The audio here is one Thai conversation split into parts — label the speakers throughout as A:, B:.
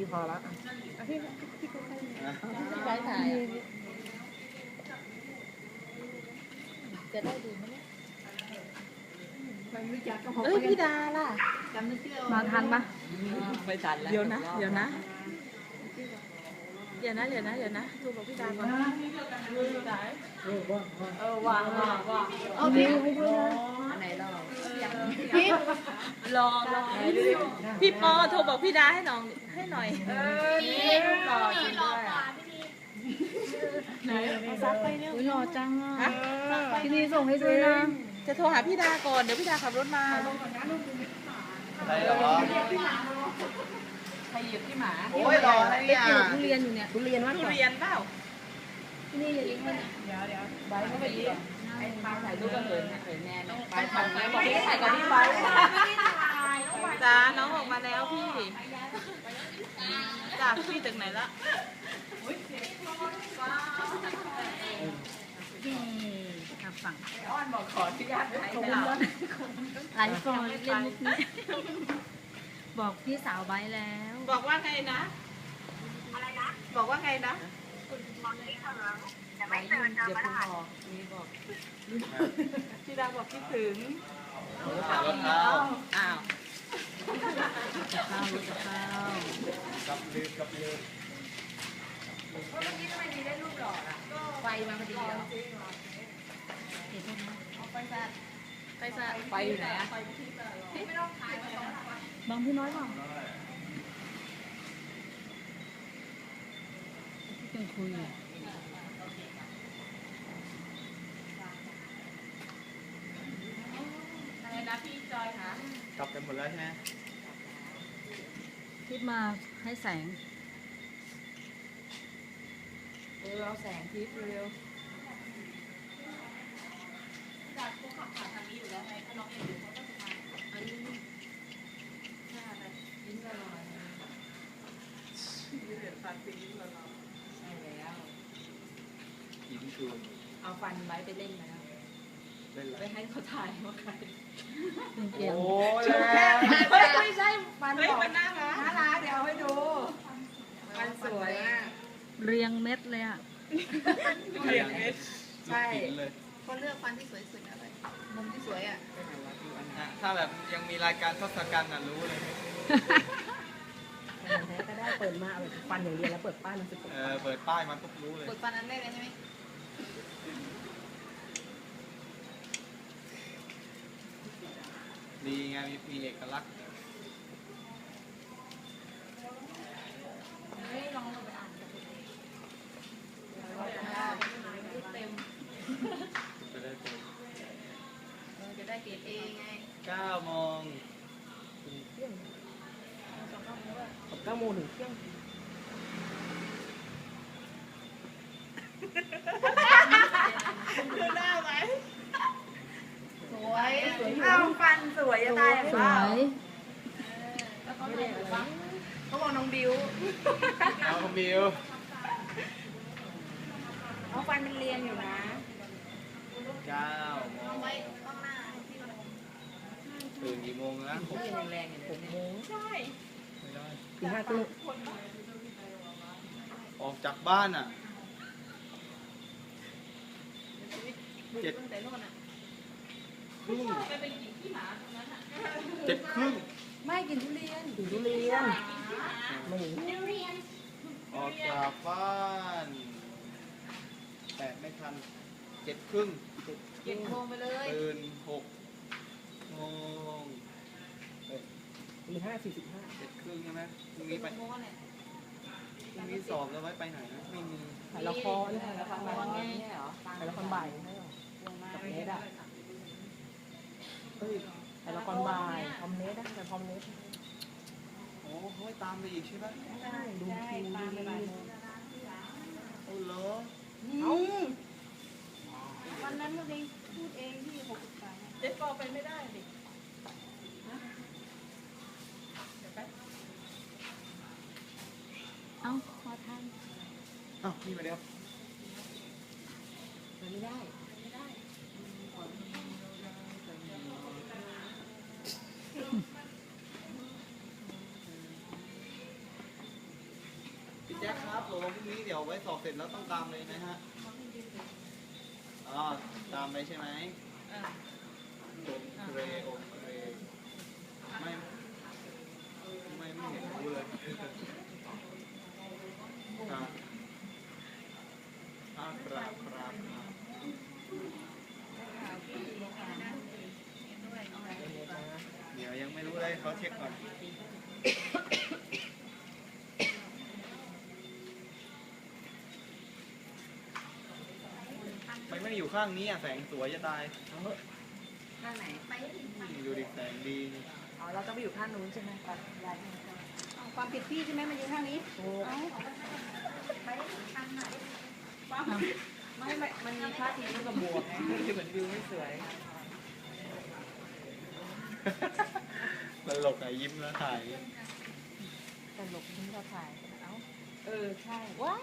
A: พี่พอละพี่
B: ไปถ่ายจะได้ดูไหมเนี่ยเอ้ยพี่ดาล่ะมาทันปะไม่ทันแล้วเดี๋ยวนะดูบอกพี่ดาก่อนว่างเอาดิอันไหนรอพี่รอพี่ปอโทรบอกพี่ดาให้หน่อยนี่รอจริงด้วยไหนซักไปเนี่ยรอจังอ่ะพี่นี่ส่งให้ด้วยนะจะโทรหาพี่ดาก่อนเดี๋ยวพี่ดาขับรถมา
C: อะไรหรอ
B: ใครเหยียบพี่หมา
C: โอ้ยรออะไรเนี่ย
B: ทุเรียนอยู่เนี่ย
A: ทุเรียนมากกว่า
B: ทุเรียนเปล่าที่นี่อย่าเลี้ยงมันใบก็ไปเลี้ยงถ่ายรูปก็เหินแน่ไปถ่ายไหมบอกพี่ถ่ายกับพี่ใบจ้าน้องออกมาแล้วพี่จ้าพี่ตึกไหนละฝั่งอ้อนบอกขอที่ญาติไลฟ์ก่อนเล่นมุกนี้บอกพี่สาวไว้แล้วบอกว่าไงนะอะไรนะบอกว่าไงนะจะไม่เจอเดี๋ยวคุณบอกนี่บอกพี่ดาบอกคิดถึงอ้าว
C: กับลืม
B: เมื่อกี้ทำไมดีได้รูปหล่อล่ะไฟมาพอดีเหรอเห็นไหมไฟอยู่ไหนอะไม่ต้องถ่ายบางพี่น้อยเปล่าที่เป็นคุยอะไรนะพี่จอยคะ
C: กลับกันหมดแล้วใช่ไหม
B: คิดมาให้แสงเอาแสงทิพย์เร็วจากพวกขับผ่านทางนี้อยู่แล้วไงถ้าน้องเองอยู่เขาต้องมาอันนี้หน้าอะไรยิ้มละลอยยิ้มเหลือฟันปียิ้มละลอยใช่แล้ว
C: ยิ้มชู
B: เอาฟันไว้ไปเล่นมาแล้วไปให้เขาถ่ายว่าใคร
C: โอ้ย
B: ไม่ใช่ฟันบอกน่ารักเดี๋ยวให้ดูฟันสวยเรียงเม็ดเลยอ่ะ
C: เรียงเม็ด
B: ใช่เขาเลือกฟันที่สวยสุดอะไรมุมที่สวยอ่ะ
C: ถ้าแบบยังมีรายการทศกัณฐ์รู้เลย
A: แท้ก็ได้เปิดมาแบบฟันอย่างเดียวแล้วเปิดป้ายมันสุด
C: เปิดป้ายมันปุ๊บรู้เลย
B: เปิดฟันนั้นได้เลยใช่ไหม
C: ดีไงมีเอกลักษณ์
B: ลองไปอ่านเต็มจะได้เกรดเอไง
C: 9 โมง
A: 9 โมงถึงเที่ยง
B: ดูหน้าไหมสวยเอาฟันสวยจะตายสวยเขาบอกน้องบิวเอาฟันมันเรียนอยู่นะ
C: 9 โมงตื่นกี่โมงนะ
B: ผมยังแรงอยู่6 โมงใช่
A: ถึง5 ทุ่ม
C: ออกจากบ้านอ่ะ7 ครึ่ง7 ครึ่ง
B: ไม่กินทุเรียน
A: ไม่
C: ออกจากบ้าน8 ไม่ทัน7 ครึ่ง
B: 7 โมงไปเลย
C: ตื่น6 โมง
A: ตี 5:45
C: 7 ครึ่งใช่ไหมพรุ่งนี้ไปพรุ่งนี้สอบแล้วไว้ไปไหนนะไม่มี
A: ถ่ายละครถ่ายละครบ่ายกับเนสอ่ะถ่ายละครบ่ายพร้อมเนสแต่พร้อมเนส
C: โอ้เขาไม่ตามไปอีกใช่ไหม
A: ใช่ดูคิวดูเลย
C: โอ้เหรอ
B: วันนั้นก็เองพูดเองที่63เจ๊ปอไปไม่ได้ดิเอ้าขอทาน
C: นี่มาเดี๋ยว
B: ไม่ได้
C: แจ็คครับผมพรุ่งนี้เดี๋ยวไว้สอบเสร็จแล้วต้องตามเลยนะฮะอ๋อตามไปใช่ไหม โอเคโอเคไม่เห็นรู้เลยครับครับเดี๋ยวยังไม่รู้เลยเขาเช็คก่อนไม่อยู่ข้างนี้อ่ะแสงสวยจะตาย
A: ข้างไหน
C: ดูดิแสงดี
A: อ๋อเราต้องไปอยู่ข้างนู้นใช่ไหมปัดย้าย
D: ความผิดพี่ใช่ไหมมาอยู่ข้างนี้
A: ไม่มันมีท่าทีที่กับหมวกไงคือเหมือนวิวไม่สวย
C: ตลกอะยิ้มแล้วถ่าย
A: แต่หลบที่เราถ่ายเอ้าใช่ว้าย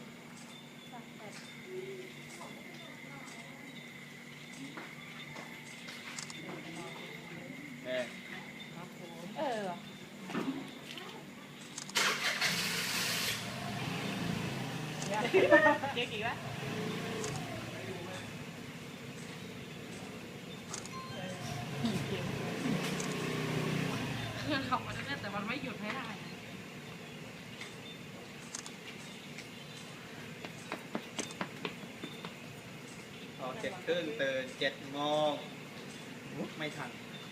C: แม่
B: เก๊กอีกแล้ว
A: เพื่อนขับมาได้แต่มันไม่หยุดให้ได้
C: ออก7 ครึ่งตื่น7 โมงไม่ทัน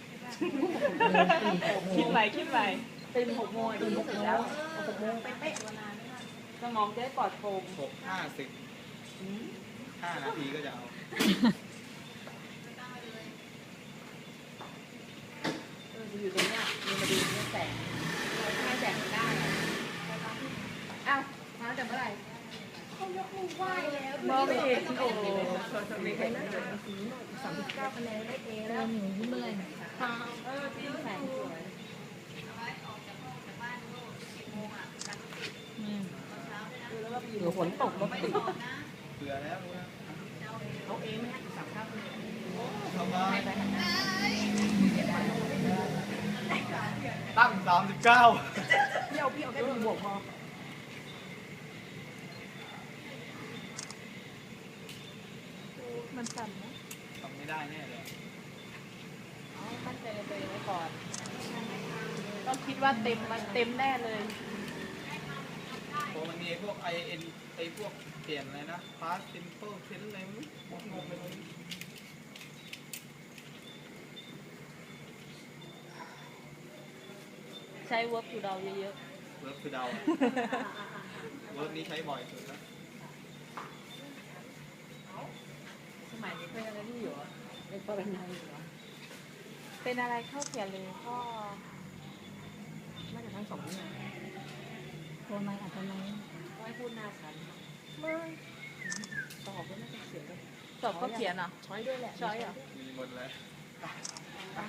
B: คิดใหม่คิดใหม่
A: ตื่น6 โมงตื่น6 โมงแล้ว6 โมงเป๊ะๆวันนั้นสมองจะได้ปลอดโปร่ง
C: 6:50 5 นาทีก็จะเอา
A: อยู่ตรงเนี้ยมีมาดูเนี่ยแสงทำไมแสงถึงได้อ้าวมาตั้งแต่เมื่อไหร่เขายกมือไหว้แล้ว
B: มองไม่เห็นโอ้โห
A: มีใครนั่งเลย39 คะแนนได้เอแล้วหนูยิ้มเลยที่แสงสวย
B: หรือฝนตกรถติด
C: เผื่อแล้วรู้นะ
A: เอาเองไหมฮะ39 คะแนน
C: ทำไม
A: ให้ไปหันหน้า
C: ตั้ง39
A: พี่เอาแค่ดูบวกพอมันสั่นนะ
C: ทำไม่ได้แน่เลย
B: มั่นใจในตัวเองไว้ก่อน ต้องคิดว่าเต็มมันเต็มแน่เลย
C: เพราะมันมีพวก ไอพวกเปลี่ยนอะไรนะ past simple tense อะไรไม่รู้งงไปเลย
B: ใช้ work to do เยอะ
C: เวิร์กคือเดาเวิร์กนี้ใช้บ่อยสุดแล้ว
A: สมัยนี้เป็นอะไรที่อยู่อ่ะเป็นปริญญาอยู่เหรอ
B: ๆ เป็นอะไรเข้าเขียนเลยก็
A: น่าจะทั้งสองอย่าง
D: ตัวไม้อาจจะไม่
A: ไม่พูดหน้าฉัน
B: ไม่
A: ตอบก็น่าจะเขียนด้วย
B: สอบก็เขียนเหรอ
A: ช้อยด้วยแหละ
B: ช้อยเหรอ
C: มีหมดเลย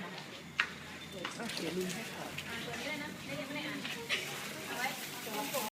A: เขียนลืมให้ขอ